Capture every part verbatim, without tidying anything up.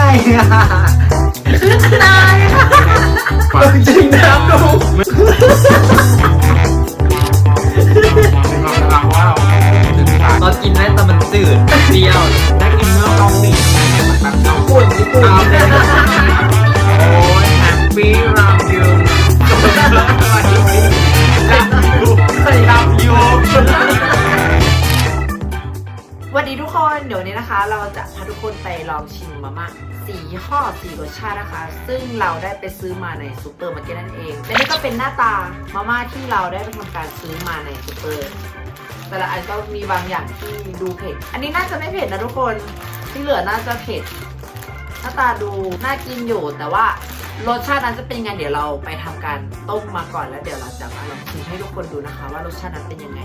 ตายจริงน้ำดูตอนกินนะแต่มันจืดเปรี้ยวได้กินเมื่อเกาหลีแบบเกาหลีญี่ปุ่นโอ้ยแฮปปี้รัมยูรัมยูรัมยูสวัสดีทุกคนเดี๋ยวนี้นะคะเราจะพาทุกคนไปลองชิมมาม่าสี่ยี่ห้อสี่รสชาตินะคะซึ่งเราได้ไปซื้อมาในซูเปอร์มาร์เก็ตนั่นเองและนี่ก็เป็นหน้าตามาม่าที่เราได้ไปทำการซื้อมาในซูเปอร์แต่ละอันก็มีบางอย่างที่ดูเผ็ดอันนี้น่าจะไม่เผ็ดนะทุกคนที่เหลือน่าจะเผ็ดหน้าตาดูน่ากินอยู่แต่ว่ารสชาตินั้นจะเป็นยังไงเดี๋ยวเราไปทำการต้มมาก่อนแล้วเดี๋ยวเราจะมาลองชิมให้ทุกคนดูนะคะว่ารสชาตินั้นเป็นยังไง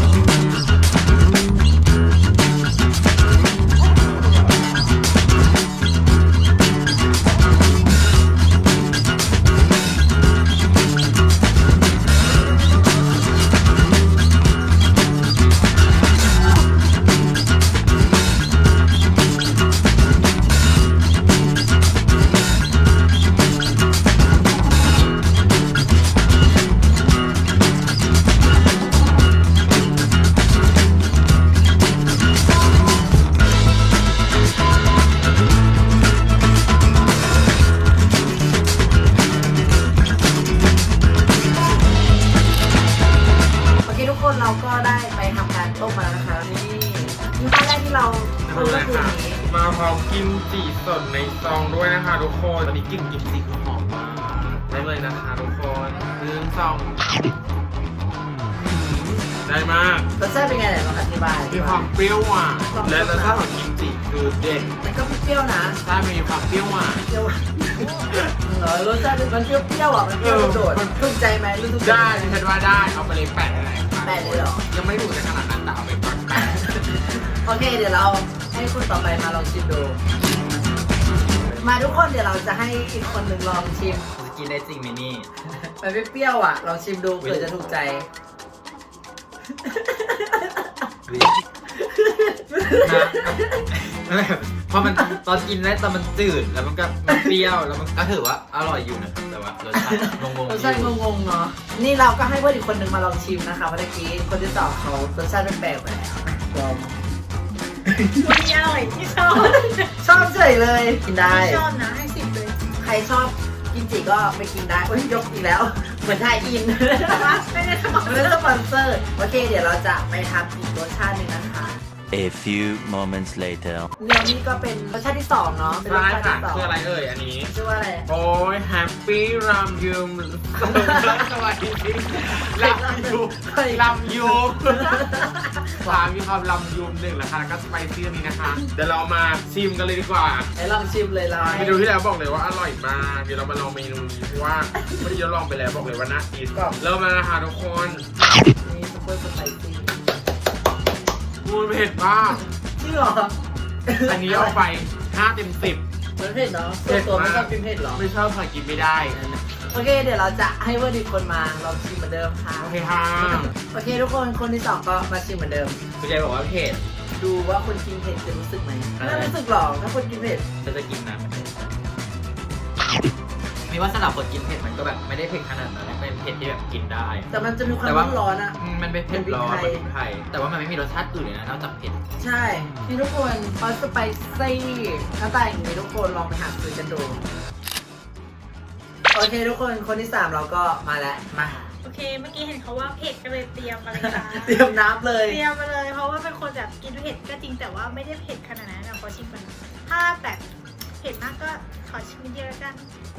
เราก็ได้ไปทำการต้มมาแล้วนะคะนี่ยี่ห้อแรกที่เราต้มก็คือนี้มาพร้อมกิมจิสดในซองด้วยนะคะทุกคนตอนนี้กลิ่นกิมจิคือหอมมากได้เลยนะคะทุกคนหนึ่งซองได้มากรสชาติเป็นไงไหนลองอธิบายมีความเปรี้ยวหวานและรสชาติของกิมจิคือเด็ดมันก็เปรี้ยวนะใช่มีความเปรี้ยวหวานเปรี้ยวเหรอรสชาติมันเปรี้ยวเปรี้ยวอ่ะมันเปรี้ยวโดดถูกใจไหมรู้ถูกใจได้ฉันว่าได้เอาไปเลยแปดอะไรแปดเลยหรอยังไม่ถูกในขนาดนั้นแต่เอาไปก่อนโอเคเดี๋ยวเราให้คุณต่อไปมาลองชิมดูมาทุกคนเดี๋ยวเราจะให้อีกคนหนึ่งลองชิมกินได้จริงไหมนี่มันไม่เปรี้ยวอ่ะลองชิมดูเผื่อจะถูกใจเพราะมันตอนกินได้แต่มันจืดแล้วมันก็มันเปรี้ยวแล้วมันก็ถือว่าอร่อยอยู่นะครับแต่ว่ารสชาติงงๆรสชาติงงๆเนาะนี่เราก็ให้เพื่อนอีกคนนึงมาลองชิมนะคะเมื่อกี้คนที่สองเขารสชาติแปลกๆไปแล้วลองวันนี้อร่อยที่ชอบชอบเฉยเลยกินได้ชอบนะให้สิบเลยใครชอบกินจิก็ไปกินได้โอ้ยยกอีกแล้วเหมือนไทยอินไม่ได้สปอนไม่ได้สปอนเซอร์โอเคเดี๋ยวเราจะไปทำอีกรสชาติหนึ่งนะคะ A few moments later เนื้อนี่ก็เป็นรสชาติที่สองเนาะใช่ค่ะคืออะไรเอ่ยอันนี้ชื่อว่าอะไรโอ้ยแฮปปี้รัมยูมสวัสดีรัมยูรัมยูสามมีความรัมยูมหนึ่งแล้วค่ะแล้วก็สไปซี่นี้นะคะเดี๋ยวเรามาชิมกันเลยดีกว่าให้ลองชิมเลยล่ะเมนูที่แล้วบอกเลยว่าอร่อยมากเดี๋ยวเรามาลองเมนูนี้เพราะว่าไม่ได้ยลองไปแล้วบอกเลยว่าน่ากินเริ่มมานะคะทุกคนนี่ซุปเปอร์สไปซี่มูนเผ็ดมากจริงเหรออันนี้เอาไปห้าเต็มสิบมันเผ็ดเนาะตัวไม่ชอบกินเผ็ดหรอไม่ชอบค่ะกินไม่ได้โอเคเดี๋ยวเราจะให้เพื่อนอีกคนมาลองชิมเหมือนเดิมค่ะโอเคค่ะโอเคทุกคนคนที่สองก็มาชิมเหมือนเดิมคุณยายบอกว่าเผ็ดดูว่าคนกินเผ็ดจะรู้สึกไหมไม่รู้สึกหรอกถ้าคนกินเผ็ดจะจะกินนะมีว่าสำหรับคนกินเผ็ดมันก็แบบไม่ได้เผ็ดขนาดนั้นเป็นเผ็ดที่แบบกินได้แต่มันจะมีความร้อนอ่ะมันเป็นเผ็ดร้อนเป็นพริกไทยแต่ว่ามันไม่มีรสชาติอื่นเลยนะนอกจากเผ็ดใช่นี่ทุกคนพอสไปซี่หน้าตาอย่างนี้ทุกคนลองไปหาซื้อกันดูโอเคทุกคนคนที่สามเราก็มาแล้วมาโอเคเมื่อกี้เห็นเขาว่าเผ็ดก็เลยเตรียมมาเลยค่ะเตรียมน้ำเลยเตรียมมาเลยเพราะว่าเป็นคนแบบกินเผ็ดก็จริงแต่ว่าไม่ได้เผ็ดขนาดนั้นนะขอชิมก่อนถ้าแบบเผ็ดมากก็ขอชิมเยอะกัน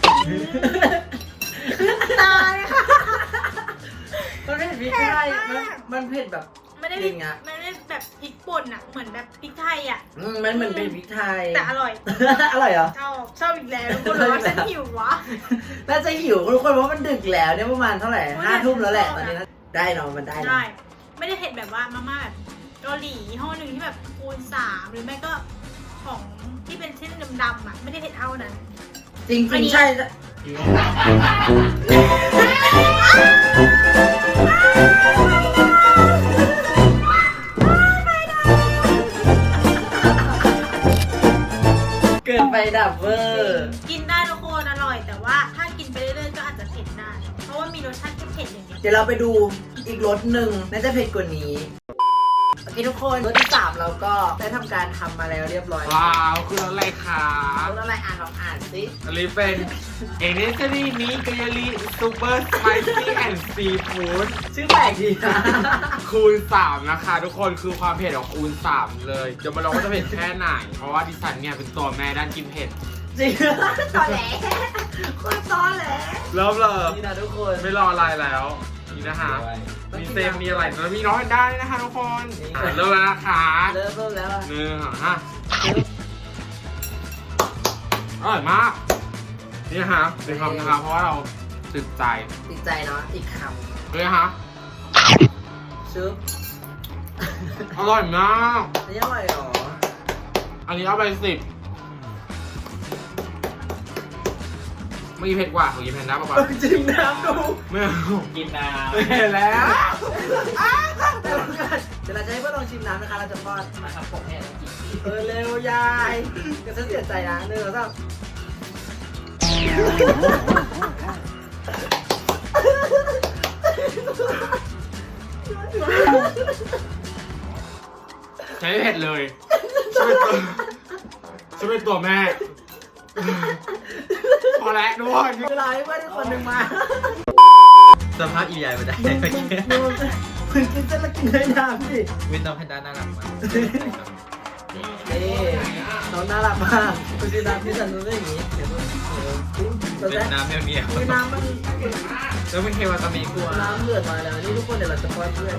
ตายค่ะมันเผ็ดพริกไทยมันเผ็ดแบบไม่ได้ไม่ได้แบบพริกป่นอ่ะเหมือนแบบพริกไทยอ่ะมันเหมือนเป็นพริกไทยแต่อร่อยอร่อยเหรอชอบชอบอีกแล้วทุกคนเลยว่าฉันหิววะน่าจะหิวทุกคนเพราะมันดึกแล้วเนี่ยประมาณเท่าไหร่ห้าทุ่มแล้วแหละตอนนี้ได้เนาะมันได้ได้ไม่ได้เผ็ดแบบว่ามาม่าแบบเกาหลีห้อหนึ่งที่แบบคูณสามหรือไม่ก็ของที่เป็นเส้นดำๆอ่ะไม่ได้เผ็ดเท่านั้นจริงจริงใช่เกินไปดับเวอร์กินได้ทุกคนอร่อย แต่ว่าถ้ากินไปเรื่อยๆก็อาจจะเผ็ดได้ เพราะว่ามีรสชาติเผ็ดๆอย่างเงี้ยเดี๋ยวเราไปดูอีกรสหนึ่งน่าจะเผ็ดกว่านี้โอเคทุกคนรสที่สามเราก็ได้ทำการทำมาแล้วเรียบร้อยว้าวคืออะไรคะรสอะไรอ่านลองอ่านสิอันนี้เป็นเอเนสรีมิกายาลีซูเปอร์สไปซี่แอนด์ซีฟู้ดชื่อแปลกดีนะคูณสามนะคะทุกคนคือความเผ็ดของคูณสามเลยเดี๋ยวมาลองว่าจะเผ็ดแค่ไหน เพราะว่าดิฉันเนี่ยเป็นตัวแม่ด้านกินเผ็ดจริงตอนแหลคนตอนแหลเริ่มเลยนี่นะทุกคนไม่รออะไรแล้วนี่นะคะมีเซมมีอะไรแล้วมีน้อยได้นะคะทุกคนอ่ะเริ่มแล้วนะคะเริ่มเริ่มแล้วอะหนึ่งสองห้าอร่อยมากนี่นะคะเป็นคำนะคะเพราะว่าเราติดใจติดใจเนาะอีกคเลยนะคะำชุบอร่อยมากนี่อร่อยเหรออันนี้เอาไปสิบไม่เผ็ดกว่าของกินแพนด้าป่ะจิ้มน้ำดูไม่เอากินน้ำไม่เผ็ดแล้วเดี๋ยวเราจะให้เพื่อนลองชิมน้ำนะคะเราจะป้อนมาทำปกเนี่ยกินเออเร็วยายก็ฉันเสียใจนะหนึ่งสองใช้ไม่เผ็ดเลยช่วยตัวช่วยตัวแม่ พอแล้วด้วยเวลาให้เพื่อนอีกคนหนึ่งมาสภาพอีใหญ่ไปได้มึงมึงมึงมึงกินเส้นแล้วกินด้วยน้ำสิวินน้องแพนด้าน่ารักมากนี่น้องน่ารักมากคุณชิมน้ำที่ฉันรู้ได้อย่างนี้เดี๋ยวมึงเดี๋ยวเป็นเราจะน้ำเมียวมีน้ำมันๆแล้วเป็นเควาตามิกลัวน้ำเดือดมาแล้วนี่ทุกคนเดี๋ยวเราจะป้อนเพื่อน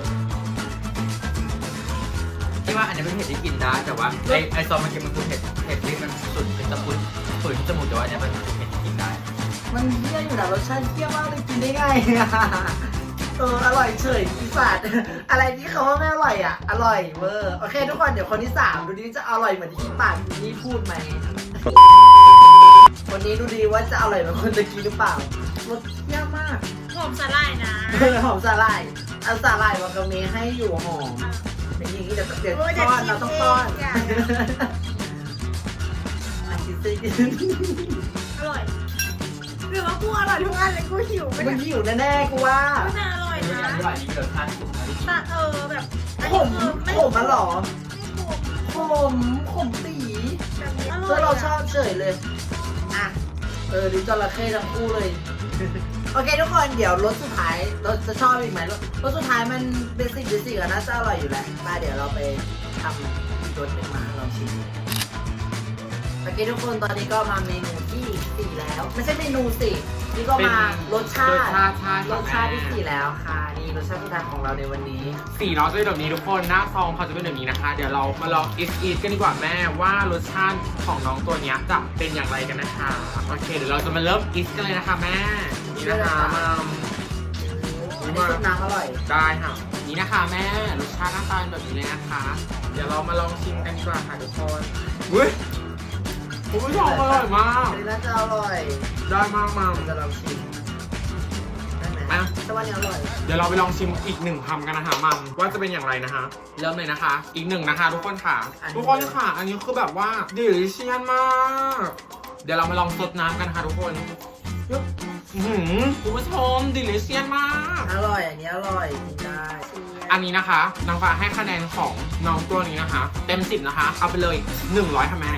ที่ว่าอันนี้เป็นเผ็ดที่กินได้แต่ว่าไอไอซอสมันกินมันคือเผ็ดเผ็ดที่มันสุดเป็นตะปุนฝืนจมูกแต่ว่าเนี่ยมันเผ็ดที่กินได้มันเที่ยอยู่นะรสชาติเที่ยมากเลยกินได้ไงอะเอออร่อยเฉยอีสัตว์อะไรที่เขาว่าไม่อร่อยอ่ะอร่อยเวอร์โอเคทุกคนเดี๋ยวคนที่สามดูดิจะอร่อยเหมือนที่ปากนี่พูดไหมวันนี้ดูดีว่าจะอร่อยเหมือนคนตะกี้หรือเปล่ารสเที่ยมากหอมสาหร่ายนะเออหอมสาหร่ายเอาสาหร่ายวากาเมะให้อยู่หอมเป็นอย่างนี้เดี๋ยวเดี๋ยวป้อนเราต้องป้อนอันที่สี่อร่อย หรือว่ากูอร่อยทุกอันเลยกูหิวไปมันหิวแน่ๆกูว่าไม่น่าอร่อยอันนี้นะอันนี้อันนี้รสชาติสุดนะที่กินแต่เออแบบอันขนี้มคือไม่ขมมาหรอไม่ขมขมขมตีแบบนี้อร่เพื่ออย เราชอะอบเฉยเลย อ่ะ เออดิจระเข้ทั้งคู่เลย โอเคทุกคนเดี๋ยวรสสุดท้ายเราจะชอบอีกไหมรสรสสุดท้ายมันเบสิกเบสิกอะน่าจะอร่อยอยู่แหละมาเดี๋ยวเราไปทำอีกรสหนึ่งมาลองชิมโอเคทุกคนตอนนี้ก็มาเมนูที่สี่แล้ว ไม่ใช่เมนูสินี่ก็มารสชารสติชาติใช่รสชาติที่สี่แล้วค่ะนี่รสชาติสุดท้ายของเราในวันนี้สีเนาะจะเป็นแบบนี้ทุกคนหน้าซองเขาจะเป็นแบบนี้นะคะ เดี๋ยวเรามาลองอิสอีทกันดีกว่าแม่ว่ารสชาติของน้องตัวเนี้ยจะเป็นอย่างไรกันนะคะโอเคเดี๋ยวเราจะมาเริ่มอิสกันเลยนะคะแม่นี่นะคะมาอันนี้ซุปน้ำอร่อยได้ค่ะนี่นะคะแม่รสชาติหน้าตาเป็นแบบนี้เลยนะคะ เดี๋ยวเรามาลองชิมกันดีกว่าค่ะทุกคนอุ้ยคุณผู้ชมอร่อยมากอันนี้น่าจะอร่อยได้มากมาเราจะลองชิมได้ไหมอ่ะแต่ว่านี้อร่อยเดี๋ยวเราไปลองชิมอีกหนึ่งคำกันนะคะมัมว่าจะเป็นอย่างไรนะคะ เริ่มเลยนะคะ อีกหนึ่งนะคะ ทุกคนค่ะ ทุกคนค่ะ อันนี้คือแบบว่าดิลิเชียนมาก เดี๋ยวเรามาลองซดน้ำกันค่ะทุกคนอื้อหือคุณผู้ชมดิลิเชียนมากอร่อย อันนี้อร่อยกินได้อันนี้นะคะน้องฟ้าให้คะแนนของน้องตัวนี้นะคะ เต็มสิบนะคะ เอาไปเลยหนึ่งร้อยค่ะแม่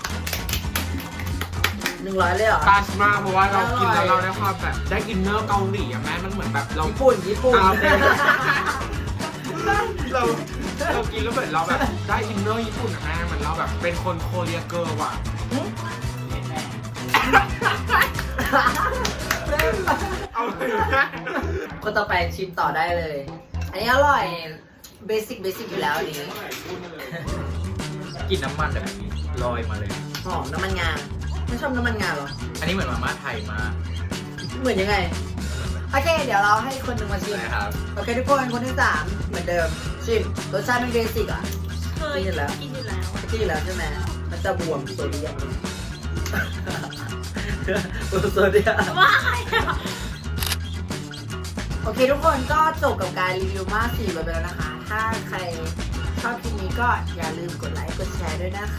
หนึ่งร้อยเลยเหรอตาชมากเพราะว่าเรากินแล้วอร่เราอยได้ความแบบได้อินเนอร์เกาหลีอะแม่มันเหมือนแบบเราญี่ปุ่น ญี่ปุ่นอ่าโอเค เราเรากินแล้วเหมือนเราแบบได้อินเนอร์ญี่ปุ่นอะแม่เหมือนเราแบบเป็นคนโคเรียเกิร์ลว่ะ เอาเลยแม่คนต่อไปชิมต่อได้เลย อันนี้อร่อย เบสิกเบสิกอยู่แล้วอันนี้กินน้ำมันแบบนี้ลอยมาเลยหอมน้ำมันงา ไม่ชอบน้ำมันงาเหรออันนี้เหมือนมาม่าไทยมากเหมือนยังไง โอเค เดี๋ยวเราให้คนหนึ่งมาชิมนะครับโอเคทุกคน คนที่สามเหมือนเดิม ชิม รสชาติเป็นเบสิกอ่ะเคยกินอยู่แล้วกินอยู่แล้วที่แล้วใช่ไหม มันจะบวมโซเดียม โซเดียมว้ายโอเคทุกคนก็จบกับการรีวิวมาสี่รสไปแล้วนะคะ ถ้าใครชอบคลิปนี้ก็อย่าลืมกดไลค์กดแชร์ด้วยนะค